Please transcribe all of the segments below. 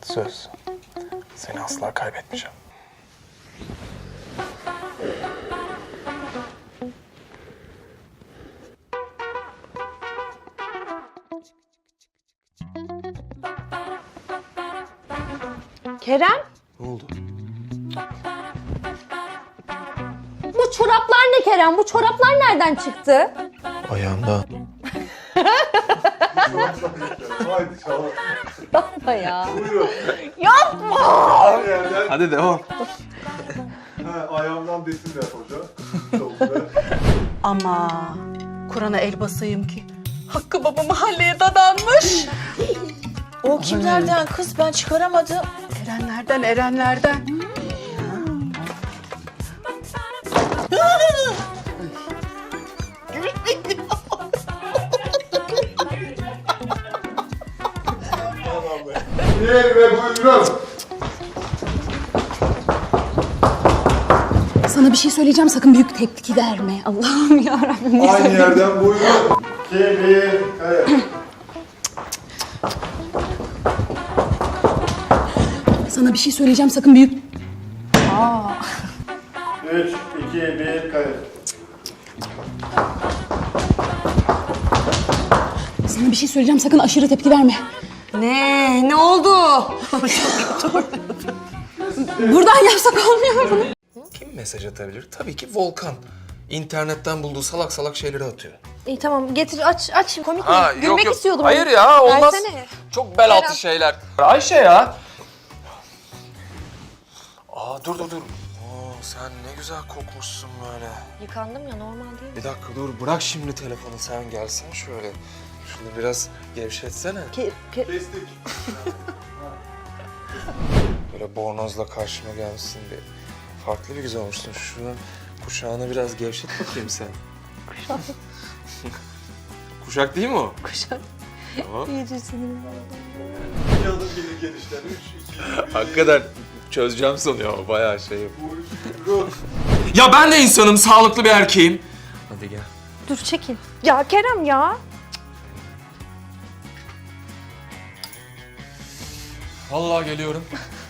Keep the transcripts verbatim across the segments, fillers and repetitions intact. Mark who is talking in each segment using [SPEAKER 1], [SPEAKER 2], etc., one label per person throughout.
[SPEAKER 1] Söz. Seni asla kaybetmeyeceğim.
[SPEAKER 2] Kerem,
[SPEAKER 1] Ne oldu?
[SPEAKER 2] bu çoraplar ne Kerem? Bu çoraplar nereden çıktı?
[SPEAKER 1] Ayağımda.
[SPEAKER 3] Haydi çalalım.
[SPEAKER 2] Yapma ya.
[SPEAKER 3] Buyurun.
[SPEAKER 2] Yapma!
[SPEAKER 3] Her yerden
[SPEAKER 1] Hadi devam.
[SPEAKER 3] ha, ayağımdan desinler hocam. Çok güzel.
[SPEAKER 4] Ama Kur'an'a el basayım ki Hakkı Baba mahalleye dadanmış.
[SPEAKER 5] O kimlerden kız, ben çıkaramadım.
[SPEAKER 4] Erenlerden, erenlerden.
[SPEAKER 3] Gel ve buyurun.
[SPEAKER 6] Sana bir şey söyleyeceğim, sakın büyük tepki verme. Allah'ım yarabbim.
[SPEAKER 3] Aynı yerden buyurun. İki, bir, kayıt.
[SPEAKER 6] Sana bir şey söyleyeceğim, sakın büyük...
[SPEAKER 3] Üç, iki, bir, kayıt.
[SPEAKER 6] Sana bir şey söyleyeceğim, sakın aşırı tepki verme.
[SPEAKER 4] Ne? Ne oldu?
[SPEAKER 6] Buradan yapsak olmuyor mu?
[SPEAKER 1] Kim mesaj atabilir? Tabii ki Volkan. İnternetten bulduğu salak salak şeyleri atıyor.
[SPEAKER 2] İyi tamam getir aç aç. Komik mi?
[SPEAKER 1] Ha,
[SPEAKER 2] Gülmek istiyordum.
[SPEAKER 1] Hayır ya, olmaz.
[SPEAKER 2] Versene.
[SPEAKER 1] Çok bel altı şeyler. Ayşe ya. Aa dur dur dur. Oo, sen ne güzel kokmuşsun böyle.
[SPEAKER 2] Yıkandım ya, normal değil mi?
[SPEAKER 1] Bir dakika dur, bırak şimdi telefonu, sen gelsen şöyle. Şunu biraz gevşetsene.
[SPEAKER 2] Ke, ke...
[SPEAKER 3] Kestik.
[SPEAKER 1] Böyle bornozla karşıma gelmişsin bir. Farklı bir güzel olmuşsun. Şunun kuşağını biraz gevşet bakayım sen.
[SPEAKER 2] Kuşak.
[SPEAKER 1] Kuşak değil mi o?
[SPEAKER 2] Kuşak.
[SPEAKER 1] Tamam.
[SPEAKER 2] İyice sinirim var.
[SPEAKER 3] İki adım gelir genişten. Üç, iki, bir.
[SPEAKER 1] Hakikaten çözeceğim sanıyor ama bayağı şey yap.
[SPEAKER 3] Buyurun.
[SPEAKER 1] Ya ben de insanım, sağlıklı bir erkeğim. Hadi gel.
[SPEAKER 2] Dur çekil. Ya Kerem ya.
[SPEAKER 1] Vallahi geliyorum.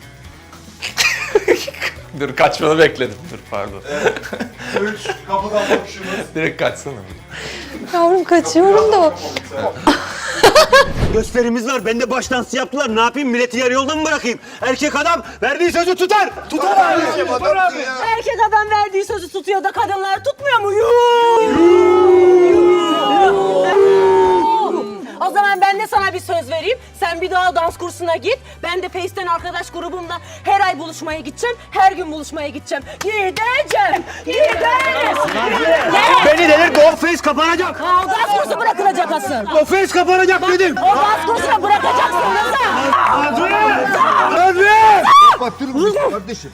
[SPEAKER 1] Dur, kaçmanı bekledim. Dur pardon.
[SPEAKER 3] Üç, kapıdan bakışımız.
[SPEAKER 1] Direkt kaçsana.
[SPEAKER 2] Yavrum kaçıyorum da.
[SPEAKER 7] Gösterimiz var. Ben de baş dansı yaptılar. Ne yapayım? Milleti yarı yolda mı bırakayım? Erkek adam verdiği sözü tutar. Tutar abi. Tutar abi.
[SPEAKER 4] Erkek adam verdiği sözü tutuyor da kadınlar tutmuyor mu? O zaman ben de sana bir söz vereyim. Sen bir daha dans kursuna git. Ben de Face'ten arkadaş grubumla her ay buluşmaya gideceğim. Her gün buluşmaya gideceğim. Gideceğim. Gideceğim.
[SPEAKER 7] Beni delir. Go face kapanacak.
[SPEAKER 4] O dans kursu bırakılacak asıl.
[SPEAKER 7] Go face kapanacak dedim.
[SPEAKER 4] O dans kursuna bırakacaksın nasıl?
[SPEAKER 7] Hadi. Hadi.
[SPEAKER 3] Kapatırım kardeşim.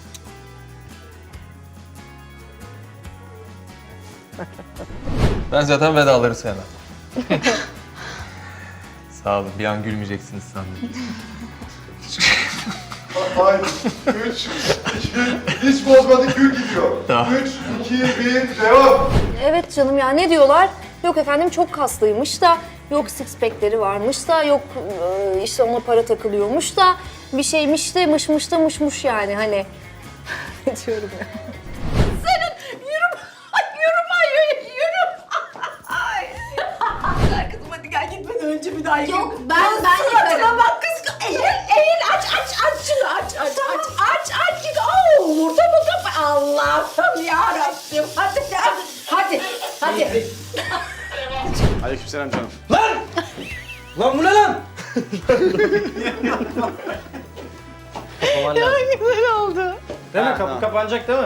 [SPEAKER 1] Ben zaten vedaları sevmem. Sağ olun, bir an gülmeyeceksiniz sandım.
[SPEAKER 3] Haydi. Üç, iki, hiç bozmadık, gül gidiyor.
[SPEAKER 1] Tamam.
[SPEAKER 3] Üç, iki, bir, devam.
[SPEAKER 2] Evet canım ya, ne diyorlar? Yok efendim çok kaslıymış da, yok six pack'leri varmış da, yok e, işte ona para takılıyormuş da, bir şeymiş de mışmış da mışmış yani hani. Ne diyorum ya?
[SPEAKER 4] Kızım hadi gel gitmeden önce bir daha
[SPEAKER 2] Yok ben ben yaparım.
[SPEAKER 4] Bak kız eğil eğil aç aç aç şunu aç aç aç aç aç git. Oo vurdu mu kapı? Allah'ım yarabbim hadi ya. Hadi hadi.
[SPEAKER 7] Aleykümselam canım. Lan bu ne lan?
[SPEAKER 4] Güzel oldu.
[SPEAKER 7] Değil mi? Kapı kapanacak değil mi?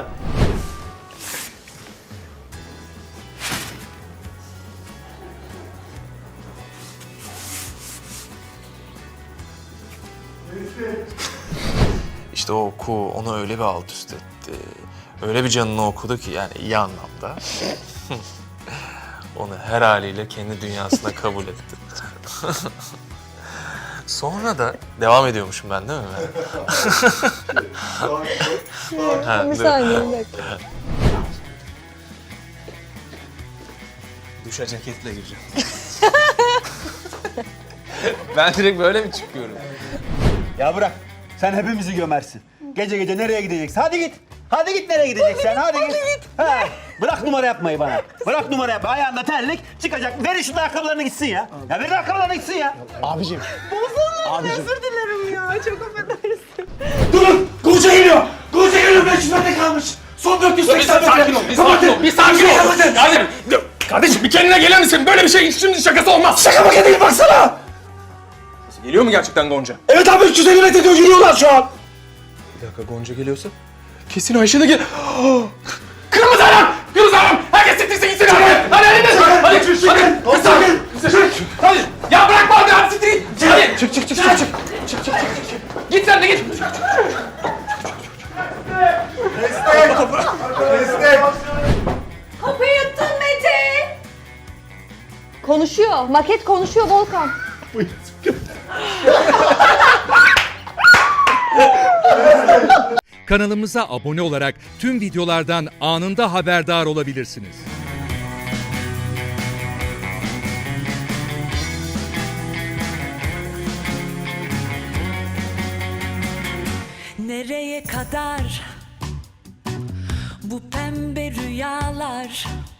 [SPEAKER 1] İşte o oku onu öyle bir alt üst etti. Öyle bir canını okudu ki, yani iyi anlamda. Onu her haliyle kendi dünyasına kabul etti. Sonra da devam ediyormuşum ben değil mi? Ha,
[SPEAKER 2] Bir
[SPEAKER 1] dur.
[SPEAKER 2] saniye bir dakika.
[SPEAKER 1] Duşa ceketle gireceğim. Ben direkt böyle mi çıkıyorum?
[SPEAKER 7] Ya bırak. Sen hepimizi gömersin. Gece gece nereye gideceksin? Hadi git. Hadi git nereye gideceksin? Hadi git. Ha, bırak numara yapmayı bana. Bırak numara yapma. Ayağında terlik çıkacak. Verin şu ayakkabılarını gitsin ya. Ya verin ayakkabılarını gitsin ya.
[SPEAKER 8] Abicim.
[SPEAKER 4] Bozulmadım, özür dilerim ya. Çok affedersin.
[SPEAKER 8] Durun! Guruca geliyor! Guruca geliyor! beş yüz metre kalmış! Son dört yüz seksen metre!
[SPEAKER 9] Sakin ol, bir sakin ol, bir sakin ol. Kardeşim, kardeşim bir kendine gelir misin? Böyle bir şey şimdi şakası olmaz.
[SPEAKER 8] Şaka maka değil baksana!
[SPEAKER 9] Geliyor mu gerçekten Gonca?
[SPEAKER 8] Evet abi üç yüz elli metre diyor yürüyorlar şu an!
[SPEAKER 1] Bir dakika, Gonca geliyorsa kesin Ayşe de gel...
[SPEAKER 9] Kırmızı alarm! Kırmızı alarm! Herkes siktirsin gitsin hadi! Hadi hadi hadi! Hadi! Hadi! Hadi! Sakin! Hadi! Ya bırakma hadi hadi siktir git! Hadi!
[SPEAKER 1] Çık çık çık çık çık.
[SPEAKER 9] Git sen de git!
[SPEAKER 2] Kapıyı yuttun Mete. Konuşuyor. Maket konuşuyor Volkan.
[SPEAKER 10] Kanalımıza abone olarak tüm videolardan anında haberdar olabilirsiniz.
[SPEAKER 11] Nereye kadar bu pembe rüyalar?